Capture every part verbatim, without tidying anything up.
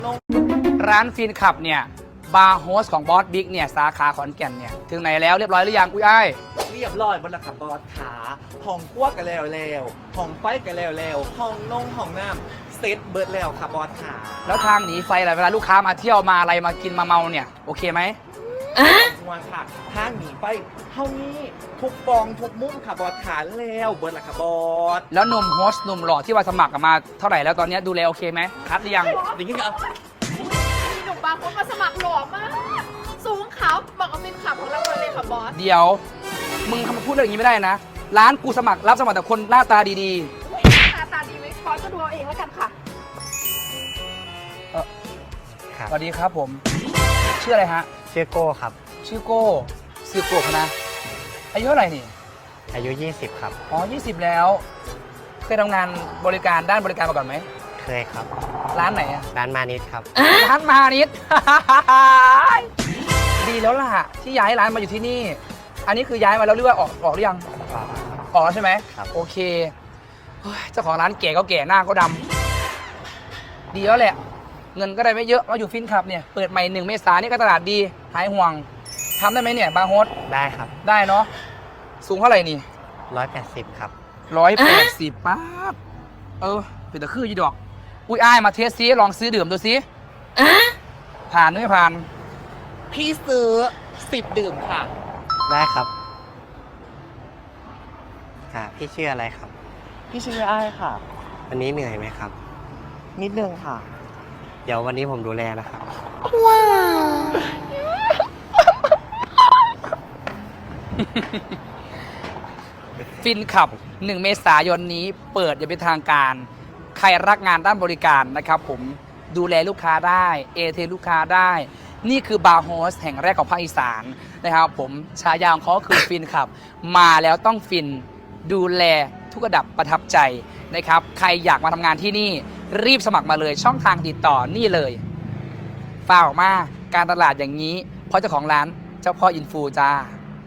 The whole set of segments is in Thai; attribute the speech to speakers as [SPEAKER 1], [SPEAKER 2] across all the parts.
[SPEAKER 1] ร้านฟินขับเนี่ยบาร์โฮสของบอสบิ๊กเนี่ยสาขาขอนแก่นเนี่ยถึงไหนแล้วเรียบร้อยหรือยังอุ้ยอ้าย
[SPEAKER 2] เรียบร้อยบนละค่ะบอสขาห้องครัวกันแล้วแล้วห้องไฟกันแล้วแล้วห้องนงห้องน้ำเซตเบิร์ดแล้วค่ะบอสขา
[SPEAKER 1] แล้วทางหนีไฟอะไรเวลาลูกค้ามาเที่ยวมาอะไรมากินมาเมาเนี่ยโอเคไหม
[SPEAKER 2] มาค่ะทางหนีไฟเท่านี้ทุกปองทุกมุมค่ะบอสขาแล้วเบิร์ดละค่ะบอส
[SPEAKER 1] แล้วหนุ่มโฮสต์หนุ่มหล่อที่มาสมัครมาเท่าไหร่แล้วตอนนี้ดูแลโอเคไหมคัดหรือยัง
[SPEAKER 2] อย่างนี้ก็
[SPEAKER 3] มีหนุ่มบางคนมาสมัครหล่อมากสูงขาวบอกว่าเป็นขับของเราเลยค่ะบอส
[SPEAKER 1] เดี๋ยวมึงทำมาพูดเรื่องอย่างนี้ไม่ได้นะร้านกูสมัครรับสมัครแต่คนหน้าตาดี
[SPEAKER 3] ๆหน้าตาดีไหมบอสก็ดูเอาเองแล้วกันค่ะ
[SPEAKER 1] เออสวัสดีครับผมชื่ออะไรฮะ
[SPEAKER 4] ชื่อโก้ครับ
[SPEAKER 1] ชื่อโก้ชื่อโก้นะอายุเท่าไหร่นี่
[SPEAKER 4] อายุยี่สิบครับ
[SPEAKER 1] อ๋อยี่สิบแล้วเคยทำงานบริการด้านบริการมาก่อนไหม
[SPEAKER 4] เคยครับ
[SPEAKER 1] ร้านไหนอะ
[SPEAKER 4] ร้านมานิดครับ
[SPEAKER 1] ร้านมานิด ดีแล้วล่ะที่ย้ายร้านมาอยู่ที่นี่อันนี้คือย้ายมาแล้วหรือว่าออกออกหรือยังออกแล้วใช่ไหม
[SPEAKER 4] ครับ
[SPEAKER 1] โอเคเจ้าของร้านแก่ก็แก่หน้าก็ดำดีแล้วแหละเงินก็ได้ไม่เยอะมาอยู่ฟินขับเนี่ยเปิดใหม่หนึ่งเมษายนนี่ก็ตลาดดีหายห่วงทำได้ไหมเนี่ยบาร์โฮส
[SPEAKER 4] ได้ครับ
[SPEAKER 1] ได้เนาะสูงเท่าไหร่นี่
[SPEAKER 4] ร้อยแปดสิบครับ
[SPEAKER 1] ร้อยแปดสิบป๊าบเออเป็นตะคือยี่ดอกอุ้ยอ้ายมาเทสซิลองซื้อดื่มดูซิผ่านหรือไม่ผ่าน
[SPEAKER 2] พี่ซื้อสิบดื่มค่ะ
[SPEAKER 4] ได้ครับค่ะพี่ชื่ออะไรครับ
[SPEAKER 2] พี่ชื่ออ้ายค่ะ
[SPEAKER 4] วันนี้เหนื่อยไหมครับ
[SPEAKER 2] นิดนึงค่ะ
[SPEAKER 4] เดี๋ยววันนี้ผมดูแลนะครับ
[SPEAKER 3] ว้าว
[SPEAKER 1] ฟินขับหนึ่งเมษายนนี้เปิดอย่างเป็นทางการใครรักงานด้านบริการนะครับผมดูแลลูกค้าได้เอเทลูกค้าได้นี่คือบาร์โฮสแห่งแรกของภาคอีสานนะครับผมฉายาของเขาคือฟินขับมาแล้วต้องฟินดูแลทุกระดับประทับใจนะครับใครอยากมาทำงานที่นี่รีบสมัครมาเลยช่องทางติดต่อนี่เลยฝากออกมาการตลาดอย่างนี้เพราะเจ้าของร้านเจ้าพ่ออินฟูจ้า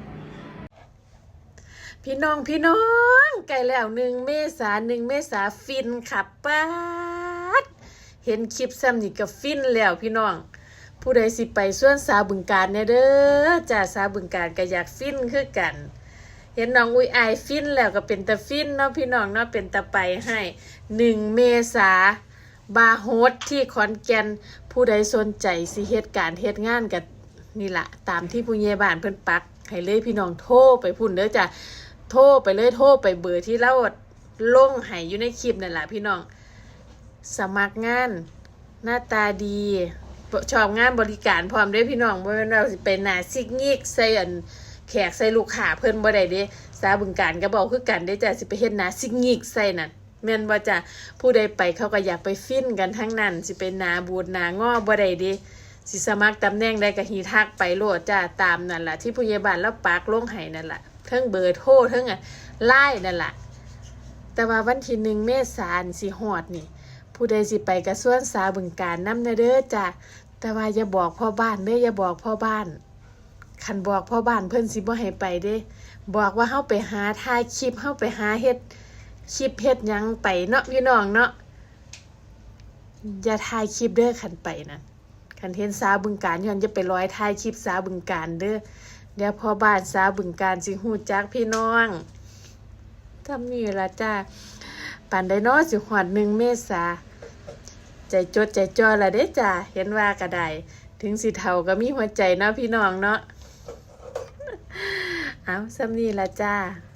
[SPEAKER 3] พี่น้องพี่น้องไก่แล้วหนึ่งเมษาหนึ่งเมษาฟินขับป๊าดเห็นคลิปซ้ำนี่ก็ฟินแล้วพี่น้องผู้ใดสิไปส่วนสาวบึงการเนี่ยเด้อจ่าสาวบึงการก็อยากฟินคือกันเห็นน้องอุ้ยอายฟินแล้วก็เป็นตะฟินเนาะพี่น้องเนาะเป็นตะไปให้หนึ่งเมษาบาร์โฮสที่ขอนแก่นผู้ใดสนใจสิเฮ็ดการเฮ็ดงานกับนี่ละตามที่ผู้ใหญ่บ้านเพิ่นปักให้เลยพี่น้องโทรไปพุ่นเด้อจ้ะโทรไปเลยโทรไปเบอร์ที่เราลงให้อยู่ในคลิปนั่นแหละพี่น้องสมัครงานหน้าตาดีชอบงานบริการพร้อมด้วยพี่น้องบ่แม่นเราสิเป็นหน้าซิกงิกใส่อันแขกใส่ลูกค้าเพิ่นบ่ได้เด้สาบึงการก็บอกคือกันเด้จ้ะสิไปเฮ็ดหน้าซิกงิกใส่นั่นแม่นบ่จ้ะผู้ใดไปเขาก็อยากไปฟินกันทั้งนั้นสิเป็นหน้าบูดหน้างอบ่ได้เด้สิสมัครตำแหน่งใดก็ฮีทักไปโลดจ้ะตามนั่นล่ะที่ผู้ใหญ่บ้านแล้วปักลงให้นั่นล่ะเทั้งเบอร์โทรเทั้งอ่ะไลน์นั่นล่ะแต่ว่าวันที่หนึ่งเมษายนสิฮอดนี่ผู้ใดสิไปกระทรวงสาบึงการนำเด้อจ้ะแต่ว่าอย่าบอกพ่อบ้านเด้ออย่าบอกพ่อบ้านคันบอกพ่อบ้านเพิ่นสิบ่ให้ไปเด้บอกว่าเฮาไปหาถ่ายคลิปเฮาไปหาเฮ็ดคลิปเฮ็ดหยังไปเนาะพี่น้องเนาะอย่าถ่ายคลิปเด้อคันไปนั่นคันเห็นสาบึงการย้อนจะไปร้อยถ่ายคลิปสาบึงการเด้อเดี๋ยวพ่อบ้านสาบึงการสิฮู้จักพี่น้องทำนี่ล่ะจ้าปานใดเนาะสิฮอดหนึ่งเมษาใจจดใจจ่อละเด้จ้าเห็นว่าก็ได้ถึงสิเฒ่าก็มีหัวใจเนาะพี่น้องเนาะเอาซ้ำนี่ละจ้า